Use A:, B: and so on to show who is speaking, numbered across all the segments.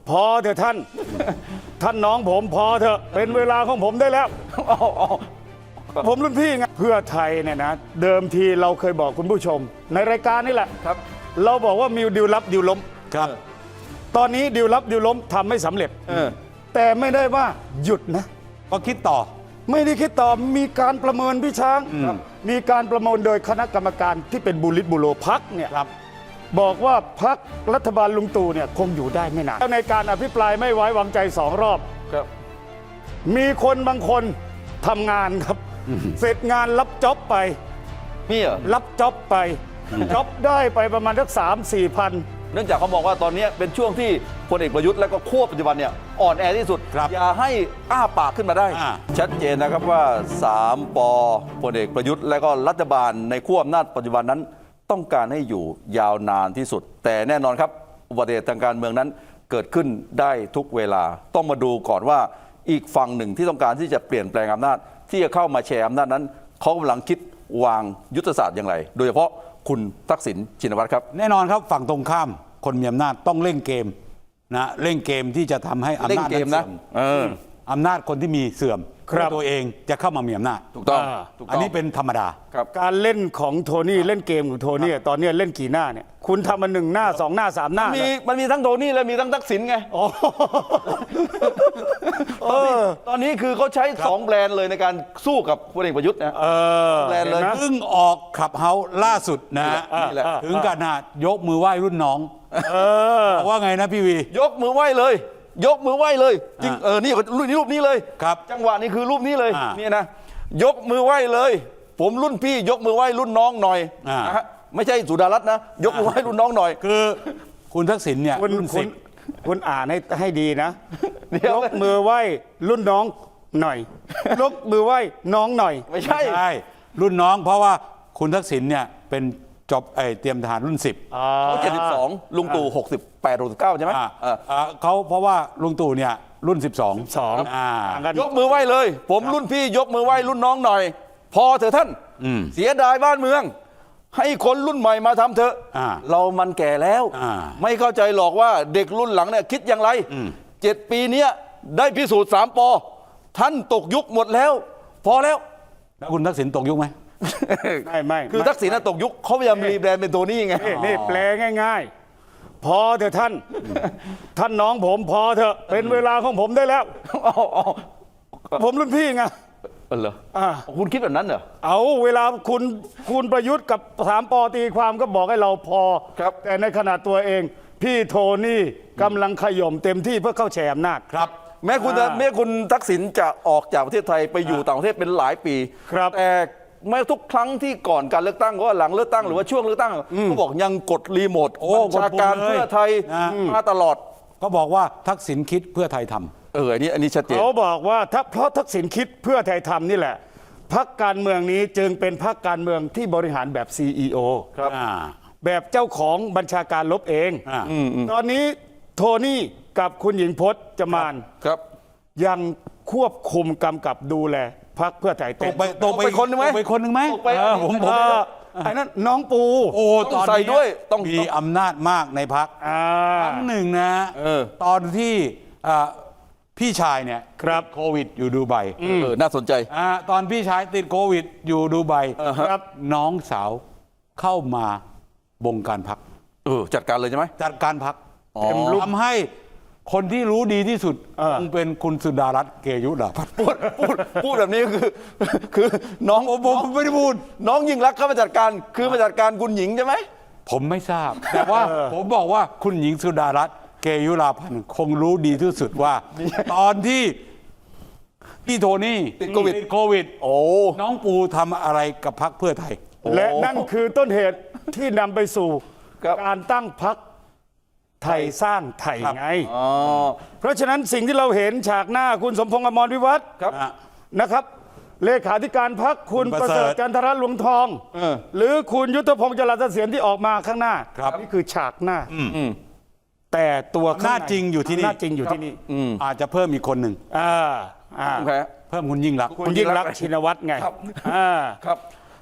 A: พอเถอะท่าน ท่านน้องผมพอเถอะเป็นเวลาของผมได้แล้ว ผมรุ่นพี่ไงเพื่อไทยเนี่ยนะเดิมทีเราเคยบอกคุณผู้ชม ในรายการนี่แหละครับเราบอกว่ามีดิวลับดิวล้มครับตอนนี้ดิวลับดิวล้มทำไม่สำเร็จแต่ไม่ได้ว่าหยุดนะ
B: ก็คิดต่อ
A: ไม่ได้คิดต่อมีการประเมินพี่ช้างมีการประเมินโดยคณะกรรมการที่เป็นบุริษบุโรพักเนี่ยบอกว่าพักรัฐบาลลุงตู่เนี่ยคงอยู่ได้ไม่นานในการอภิปรายไม่ไว้วางใจ2 รอบมีคนบางคนทำงานครับเสร็จงานรับจ็อบไป
C: มีเหรอ
A: รับจ็อบไปจ็อบได้ไปประมาณสัก3-4 พัน
C: เนื่องจากเขาบอกว่าตอนนี้เป็นช่วงที่พลเอกประยุทธ์และก็ขั้วปัจจุบันเนี่ยอ่อนแอที่สุดอย่าให้อ้าปากขึ้นมาได้ชัดเจนนะครับว่า3 ป.พลเอกประยุทธ์และก็รัฐบาลในขั้วอำนาจปัจจุบันนั้นต้องการให้อยู่ยาวนานที่สุดแต่แน่นอนครับอุบัติเหตุทางการเมืองนั้นเกิดขึ้นได้ทุกเวลาต้องมาดูก่อนว่าอีกฝั่งหนึ่งที่ต้องการที่จะเปลี่ยนแปลงอำนาจที่จะเข้ามาแชร์อำนาจนั้นเขากำลังคิดวางยุทธศาสตร์อย่างไรโดยเฉพาะคุณทักษิณชินวัตรครับ
B: แน่นอนครับฝั่งตรงข้ามคนมีอำนาจต้องเล่นเกมนะเล่นเกมที่จะทำให้อำนาจนั้นเสื่อมอำนาจคนที่มีเสื่อมตัวเองจะเข้ามามีอำนาจ
C: ถูกต้อง
B: อันนี้เป็นธรรมดา
A: การเล่นของโทนี่เล่นเกมของโทนี่ตอนนี้เล่นกี่หน้าเนี่ยคุณทำมา1 หน้า 2 หน้า 3 หน้า
C: มันมีทั้งโทนี่และมีทั้งทักษิณไงตอนนี้คือเขาใช้2 แบรนด์เลยในการสู้กับพลเอกประยุทธ์นะ
B: แบรนด์เลยเพิ่งออกขับเฮาล่าสุดนะถึงกันนะยกมือไหว้รุ่นน้องว่าไงนะพี่วี
C: ยกมือไหว้เลยยกมือไหว้เลยจริงนี่รูปนี้เลย
B: ครับ
C: จังหวะนี้คือรูปนี้เลยนี่นะยกมือไหว้เลยผมรุ่นพี่ยกมือไหว้รุ่นน้องหน่อยนะฮะไม่ใช่สุดารัตน์นะยกมือไหว้รุ่นน้องหน่อย
B: คือคุณทักษิณเนี่ย
A: คุณอ่านให้ดีนะยกมือไหว้รุ่นน้องหน่อยยกมือไหว้น้องหน่อย
C: ไม่ใช่
B: รุ่นน้องเพราะว่าคุณทักษิณเนี่ยเป็นจบเตรียมทหารรุ่น10
C: เขา72ลุงตู่68 69ใช่ไหม
B: เขาเพราะว่าลุงตู่เนี่ยรุ่น
C: ยกมือไหว้เลยผมรุ่นพี่ยกมือไหว้รุ่นน้องหน่อยพอเถอะท่านเสียดายบ้านเมืองให้คนรุ่นใหม่มาทำเถอะเรามันแก่แล้วไม่เข้าใจหรอกว่าเด็กรุ่นหลังเนี่ยคิดอย่างไร7 ปีนี้ได้พิสูจน์3 ป.ท่านตกยุคหมดแล้วพอแล้ว
B: คุณทักษิณตกยุคไหม
A: ไม่
C: คือทักษิณตกยุคเขาพยายามรีแบรนด์เป็นตัวนี้ไง
A: นี่แปลง่ายๆพอเถอะท่านน้องผมพอเถอะเป็นเวลาของผมได้แล้วผมรุ่นพี่ไง
C: เหรอคุณคิดแบบนั้นเหรอ
A: เอาเวลาคุณประยุทธ์กับ3 ป.ตีความก็บอกให้เราพอแต่ในขณะตัวเองพี่โทนี่กำลังขย่มเต็มที่เพื่อเข้าแชร์อำนาจ
C: ครับแม้คุณทักษิณจะออกจากประเทศไทยไปอยู่ต่างประเทศเป็นหลายปีแต่ไม่ทุกครั้งที่ก่อนการเลือกตั้งก็หลังเลือกตั้งหรือว่าช่วงเลือกตั้งเขาบอกยังกดรีโมทบัญชาการเพื่อไทยมาตลอด
B: เขาบอกว่าทักษิณคิดเพื่อไทยทำ
C: อันนี้ชัดเจน
A: เขาบอกว่าเพราะทักษิณคิดเพื่อไทยทำนี่แหละพรรคการเมืองนี้จึงเป็นพรรคการเมืองที่บริหารแบบ CEO
C: ครับ
A: แบบเจ้าของบัญชาการลบเองตอนนี้โทนี่กับคุณหญิงพจน์จมานยังควบคุมกำกับดูแลพรรคเพื่อไทย
C: ตกไปคนหนึ่งไหม
A: ผมไอ้นั่นน้องปู
B: ตอนนี้ด้วยต้องมีอำนาจมากในพรรคครั้งหนึ่งนะตอนที่พี่ชายเนี่ยโควิดอยู่ดูไบ
C: น่าสนใจ
B: ตอนพี่ชายติดโควิดอยู่ดูไบน้องสาวเข้ามาบงการพรรค
C: จัดการเลยใช่ไหม
B: จัดการพรรคทำให้คนที่รู้ดีที่สุดคงเป็นคุณสุดารัตน์เกยุราพันธ์
C: พูดแบบนี้คือน้อง
B: ผมไม่ได้พูด
C: น้องยิ่งรักเข้ามาจัดการคือมาจัดการคุณหญิงใช่ไหม
B: ผมไม่ทราบแต่ว่าผมบอกว่าคุณหญิงสุดารัตน์เกยุราพันธ์คงรู้ดีที่สุดว่าตอนที่พี่โทนี่
C: ติดโควิด
B: น้องปูทำอะไรกับพรรคเพื่อไทย
A: และนั่นคือต้นเหตุที่นำไปสู่การตั้งพรรคไทยสร้างไทยไงเพราะฉะนั้นสิ่งที่เราเห็นฉากหน้าคุณสมพงษ์อมรวิวัฒน์นะครับเลขาธิการพรรคคุณประเสริฐจันทรลวงทองหรือคุณยุทธพงษ์จรัสเสถียรที่ออกมาข้างหน้านี่คือฉากหน้าแต่ตัว
B: หน้าจริงอยู่ที่นี่อาจจะเพิ่มอีกคนหนึ่ง
A: เพิ่ม
B: คุณยิ่งรัก
A: ชินวัตรไง
C: ครับ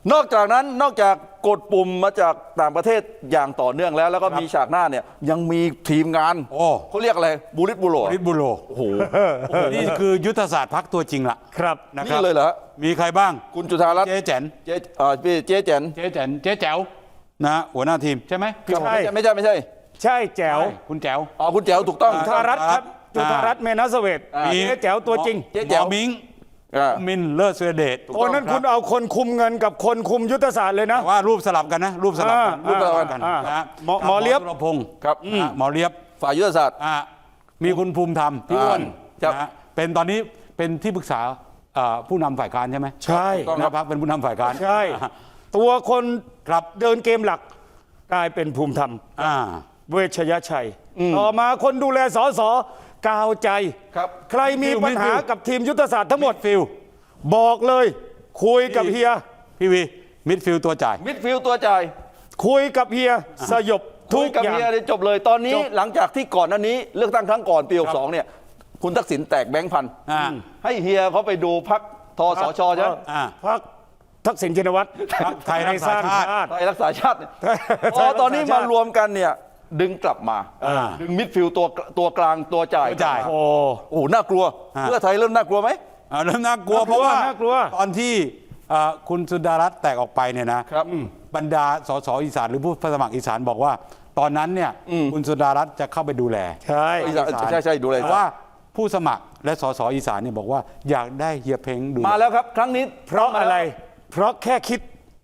C: นอกจากนั้นนอกจากกดปุ่มมาจากต่างประเทศอย่างต่อเนื่องแล้วก็มีฉากหน้าเนี่ยยังมีทีมงาน
B: โอ้
C: เขาเรียกอะไรบูริตบูโร
B: ริดบุโร
C: โอ้โห
B: นี่คือยุทธศาสตร์พรรคตัวจริงละ
A: ครับ
B: นะค
C: นี่
B: รับ
C: เลยเหรอฮะ
B: มีใครบ้าง
C: คุณจุธารัตน์
B: เจ๊แจ๋น
C: เจ๊เจ๊แจน
B: เจ๊แจ๋นเจ๊แจ๋วนะฮะหัวหน้าทีมใช่ไหม
A: ใช่
C: ไม่ใช่
A: ใช่แจ๋ว
B: ใช่คุณแจ๋ว
C: อ๋อคุณแจ๋วถูกต้อง
A: จุธารัตน์ครับจุธารัตน์เมนัสเวท
C: มี
A: เจ๊แจ๋วตัวจริง
C: เจ๊แจ๋ว
B: หมอมิง
C: อ่า
B: มินเลิศเสเดช
A: โอ้นั่นคุณเอาคนคุมเงินกับคนคุมยุทธศาสตร์เลยนะ
B: แต่ว่ารูปสลับกันนะ รูปสลับกัน
A: รูปสลับกัน
B: นะฮะ
A: หมอเลียบ
B: สุรพงศ์
C: ครับ
B: นะฮะหมอเลียบ
C: ฝ่ายยุทธศาสตร์
B: มีคุณภูมิธรรมพี่อ้วน
C: ครับ
B: นะฮะเป็นตอนนี้เป็นที่ปรึกษาผู้นำฝ่ายการใช่ไหม
A: ใช่
C: ต้อง
B: นะพักเป็นผู้นำฝ่ายการ
A: ใช่ ตัวคน
B: ครับ
A: เดินเกมหลักกลายเป็นภูมิธรรม
B: อ่า
A: เวชยชัย ต่อมาคนดูแลสสกาวใจ
C: ครับ
A: ใครมีปัญหากับทีมยุทธศาสตร์ทั้งหมด
B: ฟิล
A: บอกเลยคุยกับเฮีย
B: พี่วีมิดฟิลตัวจ่าย
C: มิดฟิลด์ตัวจ่าย
A: คุยกับเฮียสยบทุก
C: กับ
A: อย่าง
C: เมียเนี่ยจบเลยตอนนี้
A: จบ
C: หลังจากที่ก่อนหน้านี้เลือกตั้งครั้งก่อนปี62เนี่ยคุณทักษิณแตกแบงค์พัน
B: อ่า
C: ให้เฮียเขาไปดูพักทสชใช่ไหม
B: อ่า
A: พักทักษิณชินวัตร
B: พรรคไทยรักษาชาติ
A: ติ
C: ไทยรักษาชาติเนี่ย
A: ไทย
C: พอตอนนี้
A: รักษาชาติ
C: มารวมกันเนี่ยดึงกลับมา
B: อ่า
C: ดึงมิดฟิลด์ตัวกลางตัวจ่าย
B: ตัวจ่าย
A: โอ้
C: โอ้โหน่ากลัว
B: ฮะ
C: เพื่อไทยเริ่มน่ากลัวไหม
B: เริ่มน่ากลัว
A: น่ากลัว
B: เพราะว่า
A: น่ากลัว
B: ตอนที่คุณสุดารัตน์แตกออกไปเนี่ยนะครับ บรรดาสสอีสานหรือผู้สมัครอีสานบอกว่า ตอนนั้นเนี่ยคุณสุดารัตน์จะเข้าไปดูแล
A: ใช่
C: ใช่ดูเลย
B: แต่ว่าผู้สมัครและสสอีสานเนี่ยบอกว่าอยากได้เฮียเพ้งดู
C: มาแล้วครับครั้งนี้
A: เพราะอะไร เพราะแค่คิด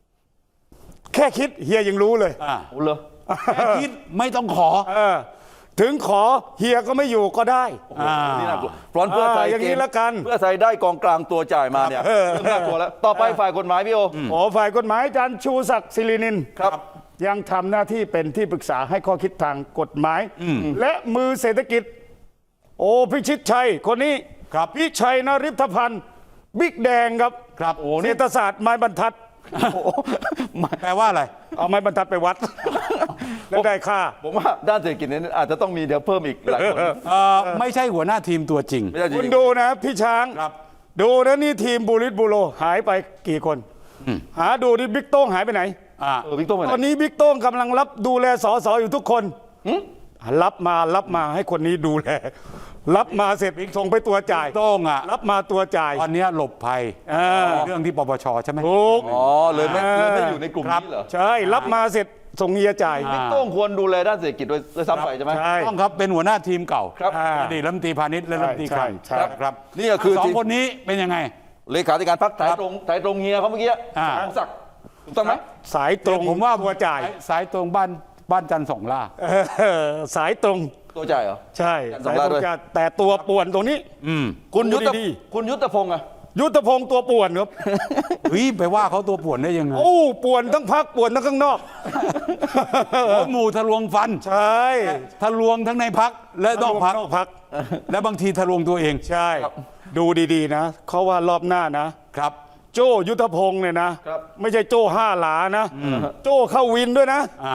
A: เฮียยังรู้เลย
B: อ่า
C: โอ้เหรอ
B: แค่คิดไม่ต้องขอ
A: ถึงขอเฮียก็ไม่อยู่ก็ได้
C: นี่น่ากลัวเพราะเพื่อไทย
A: อย่างนี้ละกัน
C: เพื่อไทยได้กองกลางตัวจ่ายมาเนี่ยเริ่มน่ากลัวแล้วต่อไปฝ่ายกฎหมายพี่โอ
A: โอ้ฝ่ายกฎหมายอาจารย์ชูศักดิ์ศิรินิน
C: ครับ
A: ยังทำหน้าที่เป็นที่ปรึกษาให้ข้อคิดทางกฎหมาย และมือเศรษฐกิจ โอ้พิชิตชัยคนนี้
B: ครับ
A: พิชัยนฤทธพันธ์บิ๊กแดงครับ
B: ครับโอ้
A: เศร
B: นี่
A: ษฐศาสตร์ไม้บรรทัด
B: แปลว่าอะไร
A: เอาไม้บรรทัดไปวัด แล้วได้ค่า
C: ผมว่าด้านเศรษฐกิจเนี่ยอาจจะต้องมีเดี๋ยวเพิ่มอีกหลายคน
B: ไม่ใช่หัวหน้าทีมตัวจริง
C: ไม่ใช่จริ
A: คุณ
C: ง
A: ดูนะพี่ช้าง
B: ครับ
A: ดูนะนี่ทีมบูริสบูโรหายไปกี่คน หาดูดิบิ๊กโต้งหายไปไหน
C: บิ๊กโต้งไปไหน
A: ตอนนี้บิ๊กโต้งกำลังรับดูแลสสอยู่ทุกคนรับมาให้คนนี้ดูแล รับมาเสร็จส่งไปตัวจ่าย
B: โต้งอ่ะ
A: รับมาตัวจ่าย
B: ตอนเนี้ยหลบภัย
A: อ่า
B: เรื่องที่ปปชใช่ไหม
A: ถูก
C: อ๋อเลยไม่อยู่ในกลุ่มนี้เหรอ
A: ใช่รับมาเสร็จส่งเฮียจ่าย
C: บิ๊กโต้งควรดูแลด้านเศรษฐกิจโดยซ้ำไปใช่ไหม
A: ใช่
B: ต้องครับเป็นหัวหน้าทีมเก่า
C: ครับ
B: อดีตรัฐมนตรีพาณิชย์และรัฐมนตรีคลัง
A: ใช่
B: ครับ
C: นี่ก็คือ
B: สอ
C: ที
B: ง
C: ม
B: คนนี้เป็นยังไง
C: เลขาธิการพรรคถ่ายตรงเฮียเขาเมื่อกี้
B: อ่า
C: สมศักดิ์ถูกต้องไหม
A: สายตรง
B: ผมว่า
A: ตัวจ่าย
B: สายตรงบ้านจันทร์สองล่า
A: สายตรง
C: ตัวจ่ายเหรอ
A: ใช่
C: สอง
A: สาย
C: ล้า
A: ตร
C: ด้
A: ง
C: วย
A: จ่ายแต่ตัวป่วนตรงนี้
C: คุณยุทธ
A: ดี
C: คุณยุทธพงศ์อะ
A: ยุทธพงศ์ตัวป่วนครับ
B: เฮ้ยไปว่าเขาตัวป่วนได้ยังไง
A: โอ้ป่วนทั้งพักป่วนทั้งข้างนอก
B: หัวหมูทะลวงฟัน
A: ใช่
B: ทะลวงทั้งในพักและนอกพัก
A: นอกพัก
B: และบางทีทะลวงตัวเอง
A: ใช่ ดูดีๆนะเขาว่ารอบหน้านะ
B: ครับ
A: โจ้ยุทธพงศ์เนี่ยนะ ไม่ใช่โจ้ห้าหลานะ โจ้เข้าวินด้วยนะ
B: อ่าร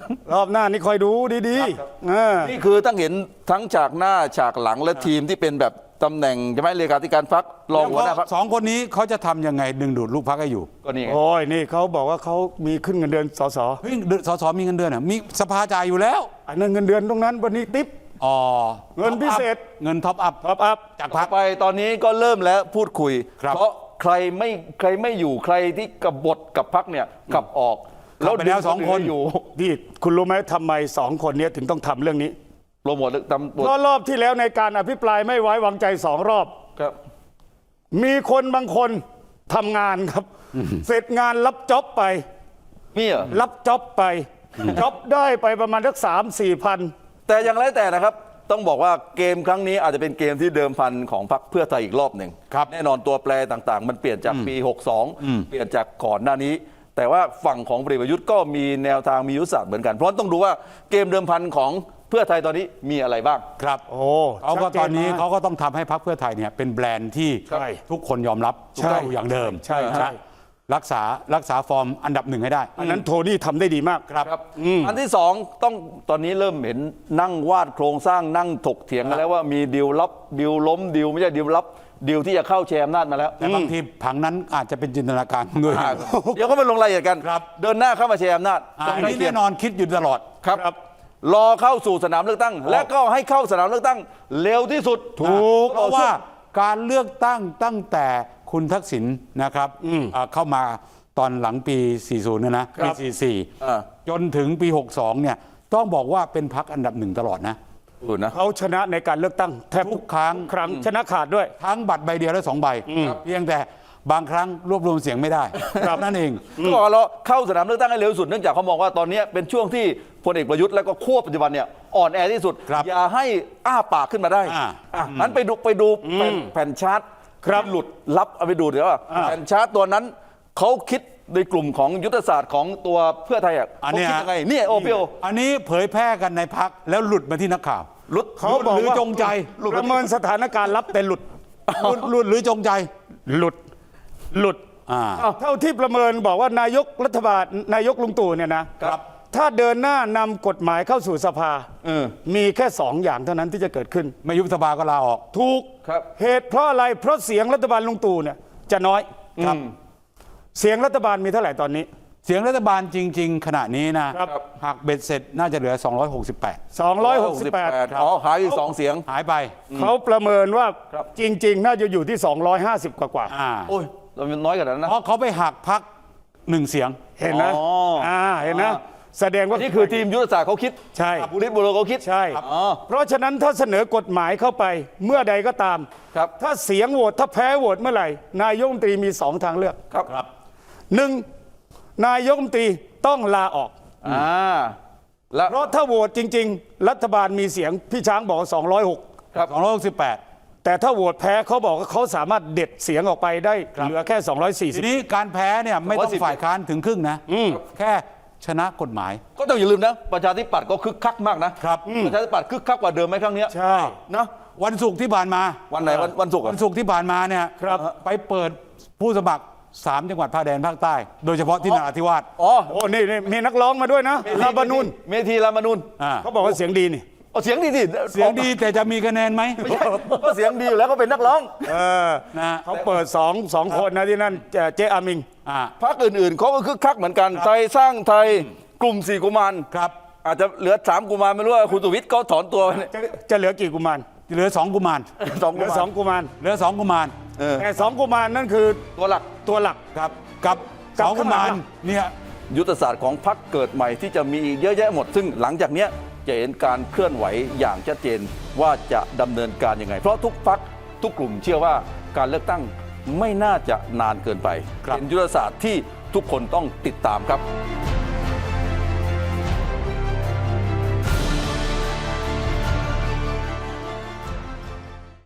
A: อบหน้านี่คอยดูดีๆ
C: นี่คือต้องเห็นทั้งฉากหน้าฉากหลังและทีมที่เป็นแบบตำแหน่งใช่ไหมเลขาธิการพรรครองหัวหน้าพรรค
B: สองคนนี้เขาจะทำยังไงดึงดูดลูกพักให้อยู่
C: ก็นี่ไง
A: โอ้ยนี่เขาบอกว่าเขามีขึ้นเงินเดือนสส
B: เฮ้ยสสมีเงินเดือนอ่ะมีสภาจ่ายอยู่แล้ว
A: อันนั้นเงินเดือนตรงนั้นวันนี้ติ๊บ
B: อ๋อ
A: เงินพิเศษ
B: เงินท็อปอัพ
A: ท็อปอัพ
B: จาก
C: ต่
B: พั
C: อก ไปตอนนี้ก็เริ่มแล้วพูดคุย
B: ครับ
C: เพราะใครไม่อยู่ใครที่กบฏกับพรรคเนี่ยขับออก
B: ขับไปแล้ว
C: ดึ
B: สองคน
C: อยู่
A: นี่คุณรู้ไหมทำไมสองคนนี้ถึงต้องทำเรื่องนี้
C: โปรโมทตำรวจ
A: เพราะรอบที่แล้วในการอภิปรายไม่ไว้วางใจสองรอบ
C: ครับ
A: มีคนบางคนทำงานครับ เสร็จงานรับจ็อบไป
C: มีเหรอ
A: รับจ็อบไปจ็อบได้ไปประมาณสัก3-4 พัน
C: แต่อย่างไรแต่นะครับ ต้องบอกว่าเกมครั้งนี้อาจจะเป็นเกมที่เดิมพันของพรรคเพื่อไทยอีกรอบหนึ่ง
B: ครับ
C: แน่นอนตัวแปรต่างๆ มันเปลี่ยนจากปี 62 เปลี่ยนจากก่อนหน้านี้ แต่ว่าฝั่งของพลเอกประยุทธ์ก็มีแนวทางมียุทธศาสตร์เหมือนกันเพราะต้องดูว่าเกมเดิมพันของเพื่อไทยตอนนี้มีอะไรบ้าง
B: ครับ
A: โอ้
B: เขาก็
A: ชัดเจ
B: ตอนนี้
A: มก
B: เขาก็ต้องทำให้พรรคเพื่อไทยเนี่ยเป็นแบรนด์ที่
A: ใช่
B: ทุกคนยอมรับ
A: ใช่
B: อยู่อย่างเดิม
A: ใช่ใช่
B: รักษาฟอร์มอันดับหนึ่งให้ได้
A: อันนั้นโทนี่ทำได้ดีมาก
C: ครับอันที่สองต้องตอนนี้เริ่มเห็นนั่งวาดโครงสร้างนั่งถกเถียงกันแล้วว่ามีดีลลับดีลล้มดีลไม่ใช่ดีลลับดีลที่จะเข้าแชร์อำนาจมาแล้ว
B: แต่บางทีผังนั้นอาจจะเป็นจินตนาการด้วย
C: เดี๋ยวก็มาลงรายละเอียดกัน
B: ครับ
C: เดินหน้าเข้ามาแชร์อำนาจ
B: อันนี้แน่นอนคิดอยู่ตลอด
C: ครับรอเข้าสู่สนามเลือกตั้ง และก็ให้เข้าสนามเลือกตั้งเร็วที่สุด
B: ถูกเพราะว่าการเลือกตั้งตั้งแต่คุณทักษิณนะครับเข้ามาตอนหลังปี 40นะปี 44 จนถึงปี 62 เนี่ยต้องบอกว่าเป็นพรรคอันดับหนึ่งตลอดนะ
A: เขาชนะในการเลือกตั้งแทบ
B: ทุกครั้ง
A: ชนะขาดด้วย
B: ทั้งบัตรใบเดียวและ2 ใบ เพียงแต่บางครั้งรวบรวมเสียงไม่ได้นั่นเอง
C: ก็บอกเราเข้าสนามเลือกตั้งให้เร็วที่สุดเนื่องจากเขามองว่าตอนนี้เป็นช่วงที่พลเอกประยุทธ์และก็ขั้วปัจจุบันเนี่ยอ่อนแอที่สุด
B: ครับ
C: อย่าให้อ้าปากขึ้นมาได้งั้นไปดูแผ่นชาร์ต
A: ครับ
C: ที่หลุดลับเอาไปดูเดี๋ยวว่าแผ่นชาร์ตตัวนั้นเขาคิดในกลุ่มของยุทธศาสตร์ของตัวเพื่อไทยเขาคิดยังไงเนี่ยโอเปียว
B: อันนี้เผยแพร่กันในพักแล้วหลุดมาที่นักข่าว
C: หลุด
A: เขาบอก
B: หรือ
A: ว่า
B: จงใจ
A: ประเมินสถานการณ์ลับแต่หลุด
B: หลุดหรือจงใจ
A: หลุด เท่าที่ประเมินบอกว่านายกรัฐบาลนายกลุงตู่เนี่ยนะครับ ถ้าเดินหน้านำกฎหมายเข้าสู่สภามีแค่2 อย่างเท่านั้นที่จะเกิดขึ้น
B: ไม่ยุบสภาก็ลาออก
A: ถูก
C: ครับ
A: เหตุเพราะอะไรเพราะเสียงรัฐบาลลุงตู่เนี่ยจะน้อยครับเสียงรัฐบาลมีเท่าไหร่ตอนนี้
B: เสียงรัฐบาลจริง ๆ ขณะนี้นะครับ หากเบ็ดเสร็จน่าจะเหลือ 268
A: 268
C: อ๋อหายอีก2 เสียง
B: หายไป
A: เขาประเมินว่า
C: ครับ
A: จริง ๆ น่าจะอยู่ที่ 250 กว่า
C: โอ้ยเราน้อยกว่านั้นนะ
B: เพราะเขาไปหักพัก1 เสียง
A: เห็นนะ
C: อ๋อ
A: เห็นนะแสดงว่า
C: นี่คือทีมยุทธศาสตร์เขาคิด
A: ใช่
C: บุริษบุโรเขาคิด
A: ใช่
C: อ๋อ
A: เพราะฉะนั้นถ้าเสนอกฎหมายเข้าไปเมื่อใดก็ตาม
C: ครับ
A: ถ้าเสียงโหวตถ้าแพ้โหวตเมื่อไหร่ นายกรัฐมนตรีมี2 ทางเลือก
C: ครับ
A: หนึ่งนายกรัฐมนตรีต้องลาออก
C: แล้ว
A: เพราะถ้าโหวตจริง ๆ รัฐบาลมีเสียงพี่ช้างบอกว่า206
C: ครับ
B: 268
A: แต่ถ้าโหวตแพ้เขาบอกว่าเขาสามารถเด็ดเสียงออกไปได้เหลือแค่
B: ทีนี้การแพ้เนี่ยไม่ต้อง
C: 210
B: ฝ่ายค้านถึงครึ่งนะแค่ชนะกฎหมาย
C: ก็ต้องอย่าลืมนะประชาธิปัตย์ก็คึกคักมากนะครับ ประชาธิปัตย์คึกคักกว่าเดิมไหมครั้งเนี้ย
A: ใช่
C: นะ
B: วันศุกร์ที่ผ่านมา
C: วันไหนวันศุกร์
B: วันศุกร์ที่ผ่านมาเนี่ย
A: ครับ
B: ไปเปิดผู้สมัคร 3 จังหวัดภาคแดนภาคใต้ โดยเฉพาะที่นราธิวาส
C: อ๋อ
A: โอ้นี่มีนักร้องมาด้วยนะลาบานูน
C: เมธีรามานูน
A: เขาบอกว่าเสียงดีนี่
C: เอาเสียงดีสิ
B: เสียงดีแต่จะมีคะแนนไหม
C: ไม่ใช่ก็เสียงดีอยู่แล้วก็เป็นนักร้อง
B: นะ
A: เขาเปิดสองคนนะที่นั่นเจ๊อามิง
C: พรรคอื่นๆเขาก็คึกคักเหมือนกันไทยสร้างไทยกลุ่ม4 กุมาร
B: ครับ
C: อาจจะเหลือ3 กุมารไม่รู้ว่าคุณสุวิทย์เขาถอนตัวไปเนี่ย
A: จะเหลือกี่กุมาร
B: เหลือ 2 กุมาร
C: สอง
A: เหลื
C: กุ
A: อ
C: มาร
A: 2 กุมาร
B: เหลือ 2 กุมาร
A: แต่2 กุมารนั่นคือ
C: ตัวหลัก
A: ตัวหลัก
B: ครับกับ
A: กับ
B: 2 กุมาร
A: ข้างหลัง
B: เนี่ย
C: ยุทธศาสตร์ของพรรคเกิดใหม่ที่จะมีอีกเยอะแยะหมด ซึ่งหลังจากเนี้ยจะเห็นการเคลื่อนไหวอย่างชัดเจนว่าจะดำเนินการยังไง เพราะทุกพรรคทุกกลุ่มเชื่อว่าการเลือกตั้งไม่น่าจะนานเกินไป เป็นยุทธศาสตร์ที่ทุกคนต้องติดตามครับ